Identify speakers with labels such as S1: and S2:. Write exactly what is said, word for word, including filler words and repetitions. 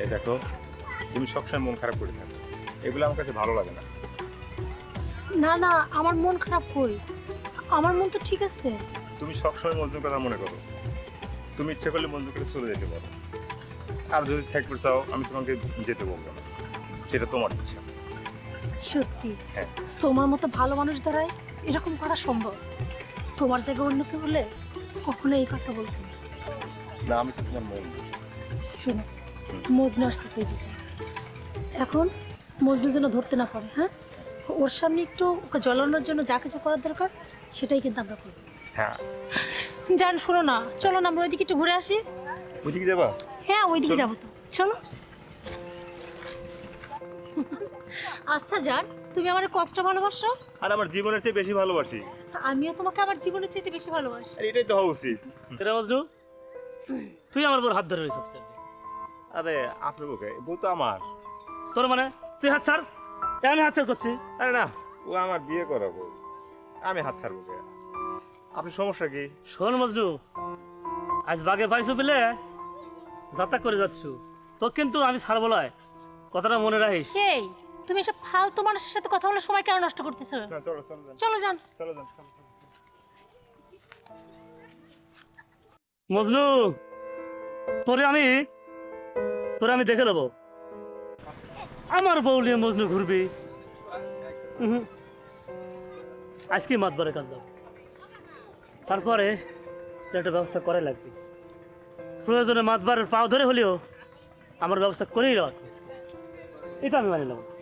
S1: এই দেখো, তুমি সবসময় মন খারাপ করে থাকো, এগুলো আমার কাছে ভালো লাগে না।
S2: না না, আমার মন খারাপ কই? আমার মন তো ঠিক আছে।
S1: তুমি সবসময় মজনুর কথা মনে করো, তুমি ইচ্ছে করলে মজনু করে চলে যেতে পারো, আর যদি থাকতে চাও আমি তোমাকে যেতে বলবো না, সেটা তোমার ইচ্ছা।
S2: সত্যি
S1: হ্যাঁ।
S2: তোমার মতো ভালো মানুষ দ্বারাই এরকম করা সম্ভব। তোমার জায়গায় অন্য কেউ হলে কখনো এই কথা বলতো না।
S1: না, আমি তো তোমার মন বুঝি।
S2: শোনো, মজনু আসতেছে এদিকে, এখন মজনু যেন ধরতে না পারে। হ্যাঁ, ওর সামনে একটু ওকে জ্বলানোর জন্য যা কিছু করার দরকার সেটাই কিন্তু আমরা করবো।
S1: হ্যাঁ,
S2: জান শোনো না, চলো না আমরা ওইদিকে একটু ঘুরে আসি।
S1: ওইদিকে যাবা?
S2: হ্যাঁ, ওইদিকে যাবো তো, চলো। আচ্ছা জান, তুমি আমার কতটা ভালোবাসো?
S1: আর আমার জীবনের চেয়ে বেশি ভালোবাসি।
S2: আমিও তোমাকে আমার জীবনের চাইতে বেশি ভালোবাসি।
S1: আর এটাই তো হওয়া উচিত।
S3: কেরে মজনু, তুই আমার বড় হাত ধরে রয়েছিস।
S1: আরে আপনার বুকে বউ তো আমার।
S3: তোর মানে তুই হাত ছাড়, এ আমি হাত ছাড় করছি।
S1: আরে না, ও আমার বিয়ে করাবো, আমি হাত ছাড়বো কে? আপনার সমস্যা কি?
S3: শোন মজনু, আজ বাগে পাইছো পেলে যাত্রা করে যাচ্ছ, তো কিন্তু আমি ছাড়বো না, কথাটা মনে রাখিস।
S2: এই, তুমি এসব ফালতু মানুষের সাথে কথা বলে সময় কেন নষ্ট করতেছো?
S1: না, চলো চলো যান,
S2: চলো যান।
S1: চলো যান, চলো, চলো।
S3: মজনু, তোরে আমি তোরে আমি দেখে নেবো, আমার বউ নিয়ে মজনু ঘুরবি। উহুম। আজকে মাতবারের কাজ যাও, তারপরে একটা ব্যবস্থা করাই লাগবে। প্রয়োজনে মাতবারের পাও ধরে হলেও আমার ব্যবস্থা করেই রাখ, এটা আমি মানি নেব।